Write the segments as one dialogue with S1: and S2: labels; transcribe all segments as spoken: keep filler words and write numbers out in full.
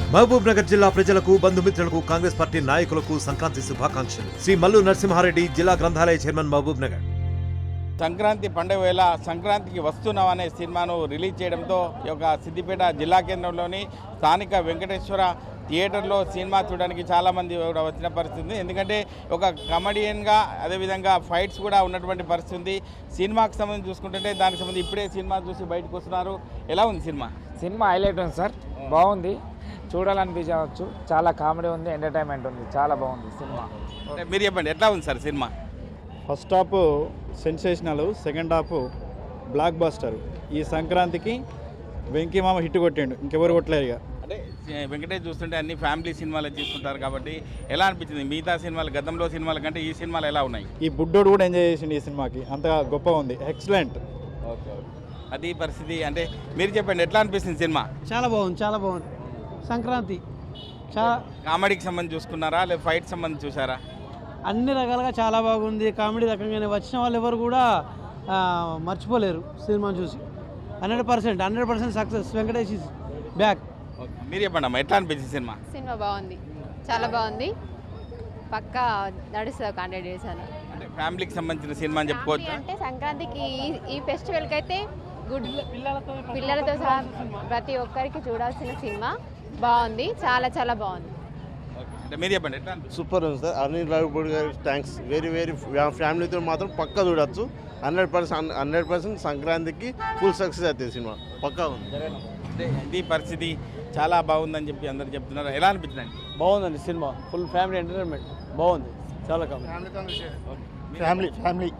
S1: మహబూబ్ నగర్ జిల్లా ప్రజలకు బంధుమిత్రులకు కాంగ్రెస్ పార్టీ నాయకులకు సంక్రాంతి శుభాకాంక్షలు. శ్రీ మల్లు నరసింహారెడ్డి, జిల్లా గ్రంథాలయ చైర్మన్, మహబూబ్ నగర్.
S2: సంక్రాంతి పండుగ వేళ సంక్రాంతికి వస్తున్నాం అనే సినిమాను రిలీజ్ చేయడంతో ఈ యొక్క సిద్దిపేట జిల్లా కేంద్రంలోని స్థానిక వెంకటేశ్వర థియేటర్లో సినిమా చూడడానికి చాలామంది కూడా వచ్చిన పరిస్థితి. ఎందుకంటే ఒక కమెడియన్గా అదేవిధంగా ఫైట్స్ కూడా ఉన్నటువంటి పరిస్థితి. సినిమాకి సంబంధించి చూసుకుంటుంటే దానికి సంబంధించి ఇప్పుడే సినిమా చూసి బయటకు వస్తున్నారు. ఎలా ఉంది సినిమా?
S3: సినిమా హైలైట్ ఉంది సార్, బాగుంది, చూడాలనిపించవచ్చు. చాలా కామెడీ ఉంది, ఎంటర్టైన్మెంట్ ఉంది, చాలా బాగుంది సినిమా.
S2: మీరు చెప్పండి, ఎట్లా ఉంది sir cinema?
S4: First half sensational, second half blockbuster. ఈ సంక్రాంతికి వెంకీ మామ హిట్ కొట్టిండు, ఇంకెవరు కొట్టలేరు. ఇక
S2: అంటే వెంకటేష్ చూస్తుంటే అన్ని ఫ్యామిలీ సినిమాలు తీసుకుంటారు కాబట్టి ఎలా అనిపించింది? మిగతా సినిమాలు గతంలో సినిమాల కంటే ఈ సినిమాలు ఎలా ఉన్నాయి?
S4: ఈ బుడ్డోడు కూడా ఎంజాయ్ చేసిండు ఈ సినిమాకి, అంత గొప్పగా ఉంది, ఎక్సలెంట్.
S2: ఓకే, అది పరిస్థితి. అంటే మీరు చెప్పండి, ఎట్లా అనిపిస్తుంది సినిమా?
S5: చాలా బాగుంది, చాలా బాగుంది. సంక్రాంతి చాలా
S2: కామెడీకి సంబంధించి చూసుకున్నారా లేదా ఫైట్ సంబంధించి చూసారా?
S5: అన్ని రకాలుగా చాలా బాగుంది. కామెడీ రకంగానే వచ్చిన వాళ్ళు ఎవరు కూడా మర్చిపోలేరు సినిమాను చూసి. Hundred percent hundred percent success. Venkatesh is back.
S2: మీరు చెప్పండి అమ్మా, ఎట్లా అనిపించింది సినిమా?
S6: సినిమా బాగుంది, చాలా బాగుంది. పక్కా నడుస్తుంది ఒక హండ్రెడ్ డేస్ అని.
S2: అంటే ఫ్యామిలీకి సంబంధించిన సినిమా అని చెప్పుకోవచ్చు.
S6: అంటే సంక్రాంతికి ఈ- ఈ ఫెస్టివల్కి అయితే గుడ్ పిల్లలతో సహా ప్రతి ఒక్కరికి చూడాల్సిన సినిమా. బాగుంది, చాలా చాలా బాగుంది.
S2: అంటే మీరు చెప్పండి, ఎట్లా అనిపించింది?
S7: సూపర్ ఉంది సార్. అనిల్ రావిపూడి గారి థ్యాంక్స్. వెరీ వెరీ ఫ్యామిలీతో మాత్రం పక్కా చూడొచ్చు. హండ్రెడ్ పర్సెంట్ హండ్రెడ్ పర్సెంట్ సంక్రాంతికి ఫుల్ సక్సెస్ అవుతుంది సినిమా, పక్కా ఉంది.
S2: అంటే ఇది పరిస్థితి. చాలా బాగుందని చెప్పి అందరు చెప్తున్నారు. ఎలా అనిపించిందండి?
S5: బాగుందండి సినిమా, ఫుల్ ఫ్యామిలీ ఎంటర్టైన్మెంట్, బాగుంది, చాలా
S4: family family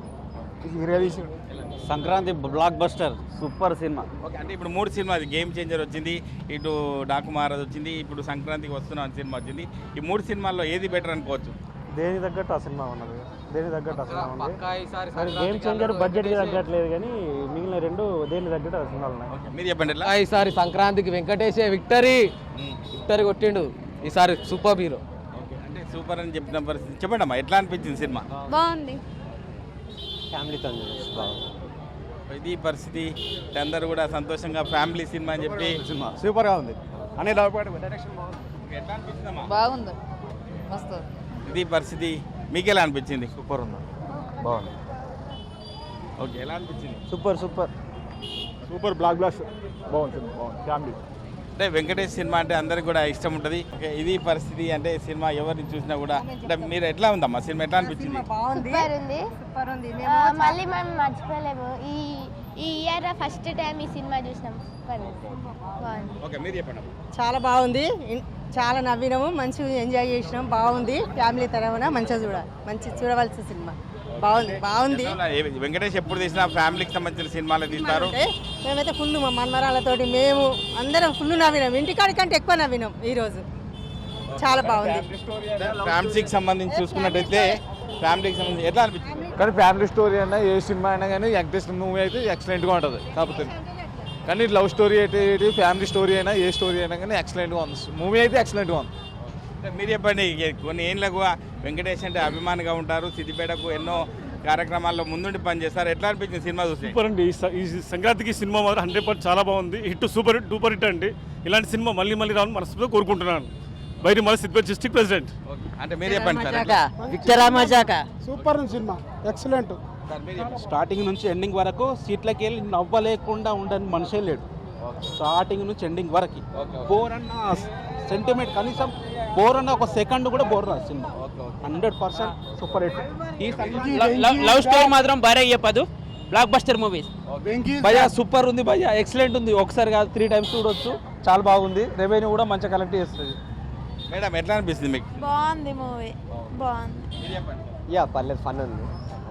S5: Sankranti blockbuster, super cinema.
S2: Okay, అంటే ఇప్పుడు మూడు సినిమా, గేమ్ చేంజర్ వచ్చింది, ఇటు డాకు మహారాజ్ వచ్చింది, ఇప్పుడు సంక్రాంతికి వస్తున్నాం సినిమా వచ్చింది. ఈ మూడు సినిమాల్లో ఏది బెటర్ అనుకోవచ్చు?
S4: దేని తగ్గట్టు ఆ సినిమా ఉన్నది, దేని తగ్గట్టు ఆ సినిమా ఉంది. మరి గేమ్ చేంజర్ బడ్జెట్కి తగ్గట్లేదు, కానీ మిగిలిన రెండు దేని తగ్గట్టు ఆ సినిమాలు ఉన్నాయి.
S2: ఓకే, మీరు చెప్పండి ఎట్లా?
S8: ఈసారి సంక్రాంతికి వెంకటేష్ విక్టరీ విక్టరీ కొట్టిండు ఈసారి, సూపర్ హీరో.
S2: ఓకే, అంటే సూపర్ అని చెప్పిన పరిస్థితి. చెప్పండి అమ్మా, ఎట్లా అనిపించింది సినిమా?
S6: బాగుంది.
S4: ఫ్యామిలీతో బాగుంది.
S2: ఇది పరిస్థితి. అందరూ కూడా సంతోషంగా ఫ్యామిలీ సినిమా అని చెప్పి
S4: సినిమా సూపర్గా ఉంది. అనే డైరెక్షన్
S2: ఎట్లా అనిపించిందమ్మా?
S6: బాగుంది, మస్తు.
S2: ఇది పరిస్థితి. మీకు ఎలా అనిపించింది?
S4: సూపర్ ఉంది, బాగుంది.
S2: ఓకే, ఎలా అనిపించింది?
S4: Super super super block blaster, బాగుంది, బాగుంది ఫ్యామిలీ.
S2: అంటే వెంకటేష్ సినిమా అంటే అందరికి కూడా ఇష్టం ఉంటుంది. ఓకే, ఇది పరిస్థితి. అంటే సినిమా ఎవరిని చూసినా కూడా అంటే మీరు ఎట్లా ఉందమ్మా సినిమా, ఎట్లా అనిపించింది?
S9: బాగుంది, సూపర్ ఉంది. మళ్ళీ మనం మర్చిపోలేము. ఈ ఈ ఇయర్ ఫస్ట్ టైం ఈ సినిమా చూసినాం. బాగుంది.
S2: ఓకే, మీరు చెప్పండి.
S10: చాలా బాగుంది, చాలా నవ్వినాము, మంచిగా ఎంజాయ్ చేసినాం. బాగుంది, ఫ్యామిలీ తరఫున మంచిగా చూడాలి, మంచి చూడవలసిన సినిమా. బాగుంది బాగుంది
S2: వెంకటేష్ ఎప్పుడు తీసినా ఫ్యామిలీకి సంబంధించిన సినిమాలు తీస్తారు.
S10: మేమైతే ఫుల్ మా మన్మరాలతోటి మేము అందరం ఫుల్ నవ్వినాం, ఇంటికాడి కంటే ఎక్కువ నవ్వినాం ఈరోజు. చాలా బాగుంది.
S2: ఫ్యామిలీకి సంబంధించి చూసుకున్నట్టయితే ఫ్యామిలీకి సంబంధించి ఎట్లా అనిపించింది?
S4: కానీ ఫ్యామిలీ స్టోరీ అయినా ఏ సినిమా అయినా కానీ వెంకటేష్ మూవీ అయితే ఎక్సలెంట్గా ఉంటుంది. కాకపోతే కానీ లవ్ స్టోరీ అయితే ఫ్యామిలీ స్టోరీ అయినా ఏ స్టోరీ అయినా కానీ ఎక్సలెంట్గా ఉంది. మూవీ అయితే ఎక్సలెంట్గా ఉంది.
S2: మీరు చెప్పండి, కొన్ని ఏళ్ళకు వెంకటేష్ అంటే అభిమానిగా ఉంటారు. సిద్దిపేటకు ఎన్నో కార్యక్రమాల్లో ముందుండి పనిచేస్తారు. ఎట్లా అనిపించింది సినిమా చూసి?
S11: సూపర్ అండి. ఈ సంక్రాంతికి సినిమా మాత్రం హండ్రెడ్ పర్సెంట్ చాలా బాగుంది. Hit, super hit, super hit అండి. ఇలాంటి సినిమా మళ్ళీ మళ్ళీ రావాలని మనస్ఫూర్తిగా కోరుకుంటున్నాను. బయట మళ్ళీ సిద్దిపేట డిస్ట్రిక్ట్ ప్రెసిడెంట్.
S2: అంటే మీరు చెప్పండి sir.
S5: Super cinema, excellent.
S8: Starting నుంచి ఎండింగ్ వరకు సీట్లకి వెళ్ళి నవ్వలేకుండా ఉండని మనిషే లేడు. స్టార్టింగ్ నుంచి ఎండింగ్ వరకు బోర్ అన్న సెంటిమెంట్, కనీసం బోర్ అన్న ఒక సెకండ్ కూడా బోర్ రాదు cinema. Hundred percent super hit. ఈ
S3: లవ్ స్టోరీ మాత్రం భారీ చెప్పదు, బ్లాక్ బస్టర్ మూవీస్.
S8: భయ్యా సూపర్ ఉంది, భయ్యా ఎక్సలెంట్ ఉంది. ఒకసారి కాదు త్రీ టైమ్స్ చూడొచ్చు, చాలా బాగుంది. రెవెన్యూ కూడా మంచిగా కలెక్ట్ చేస్తుంది.
S2: మేడం, ఎట్లా అనిపిస్తుంది మీకు?
S9: బాగుంది మూవీ, బాగుంది.
S2: మీరు చెప్పండి.
S8: యా పర్లేదు, ఫన్ ఉంది,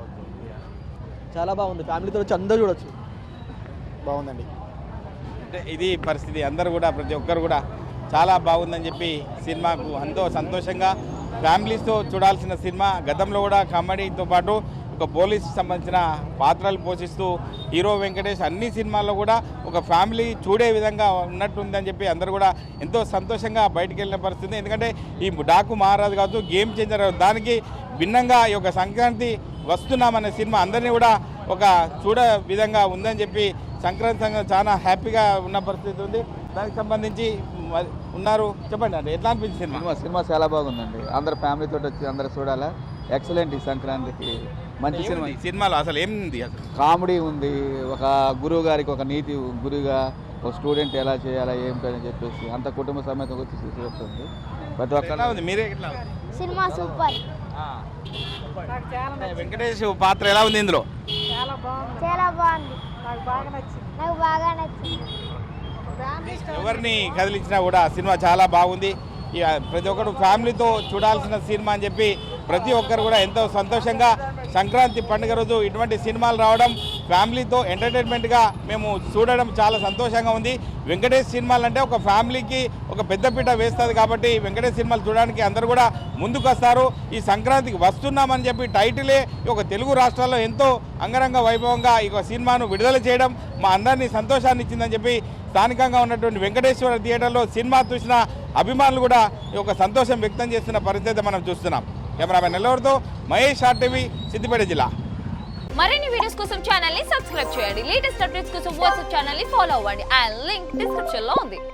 S8: చాలా బాగుంది. ఫ్యామిలీతో వచ్చి అందరూ చూడొచ్చు,
S4: బాగుందండి.
S2: అంటే ఇది పరిస్థితి. అందరూ కూడా ప్రతి ఒక్కరు కూడా చాలా బాగుందని చెప్పి సినిమాకు ఎంతో సంతోషంగా ఫ్యామిలీస్తో చూడాల్సిన సినిమా. గతంలో కూడా కామెడీతో పాటు ఒక పోలీస్ సంబంధించిన పాత్రలు పోషిస్తూ హీరో వెంకటేష్ అన్ని సినిమాల్లో కూడా ఒక ఫ్యామిలీ చూడే విధంగా ఉన్నట్టుందని చెప్పి అందరూ కూడా ఎంతో సంతోషంగా బయటికి వెళ్ళిన పరిస్థితి. ఎందుకంటే ఈ డాకు మహారాజ్ కావచ్చు, గేమ్ చేంజర్, దానికి భిన్నంగా ఈ యొక్క సంక్రాంతి వస్తున్నామనే సినిమా అందరినీ కూడా ఒక చూడ విధంగా ఉందని చెప్పి సంక్రాంతి సంఘం చాలా హ్యాపీగా ఉన్న పరిస్థితి ఉంది. దానికి సంబంధించి మరి ఉన్నారు. చెప్పండి అంటే ఎట్లా అనిపించింది సినిమా?
S12: సినిమా సినిమా చాలా బాగుందండి. అందరు ఫ్యామిలీతో వచ్చి అందరు చూడాలా. ఎక్సలెంట్ ఈ సంక్రాంతికి మంచి సినిమా.
S2: సినిమాలో అసలు ఏముంది? అసలు
S12: కామెడీ ఉంది, ఒక గురువు గారికి ఒక నీతి, గురువుగా ఒక స్టూడెంట్ ఎలా చేయాలా ఏమిటని చెప్పేసి అంత కుటుంబ సమేతంగా వచ్చి చూస్తుంది. ప్రతి ఒక్క
S2: ఉంది మీరే ఎట్లా?
S9: సినిమా సూపర్,
S2: వెంకటేష్ పాత్ర ఎలా ఉంది ఇందులో?
S9: చాలా బాగుంది, నాకు బాగా నచ్చింది నాకు బాగా నచ్చింది
S2: ఎవరిని కదిలించినా కూడా సినిమా చాలా బాగుంది. ఇక ప్రతి ఒక్కరు ఫ్యామిలీతో చూడాల్సిన సినిమా అని చెప్పి ప్రతి ఒక్కరు కూడా ఎంతో సంతోషంగా సంక్రాంతి పండుగ రోజు ఇటువంటి సినిమాలు రావడం ఫ్యామిలీతో ఎంటర్టైన్మెంట్గా మేము చూడడం చాలా సంతోషంగా ఉంది. వెంకటేష్ సినిమాలు అంటే ఒక ఫ్యామిలీకి ఒక పెద్దపీట వేస్తుంది కాబట్టి వెంకటేష్ సినిమాలు చూడడానికి అందరూ కూడా ముందుకు వస్తారు. ఈ సంక్రాంతికి వస్తున్నామని చెప్పి టైటిలే ఒక తెలుగు రాష్ట్రాల్లో ఎంతో అంగరంగ వైభవంగా ఈ సినిమాను విడుదల చేయడం మా అందరినీ సంతోషాన్ని ఇచ్చిందని చెప్పి స్థానికంగా ఉన్నటువంటి వెంకటేశ్వర థియేటర్లో సినిమా చూసిన అభిమానులు కూడా ఈ యొక్క సంతోషం వ్యక్తం చేస్తున్న పరిస్థితి మనం చూస్తున్నాం. కెమెరామెన్ నెల్లూరుతో మహేష్, ఆర్టీవీ, సిద్దిపేట జిల్లా.
S13: మరిన్ని వీడియోస్ కోసం ఛానల్ ని సబ్స్క్రైబ్ చేయండి. లేటెస్ట్ అప్డేట్స్ కోసం వాట్సాప్ ఛానల్ ని ఫాలో అవ్వండి. ఆ లింక్ డిస్క్రిప్షన్ లో ఉంది.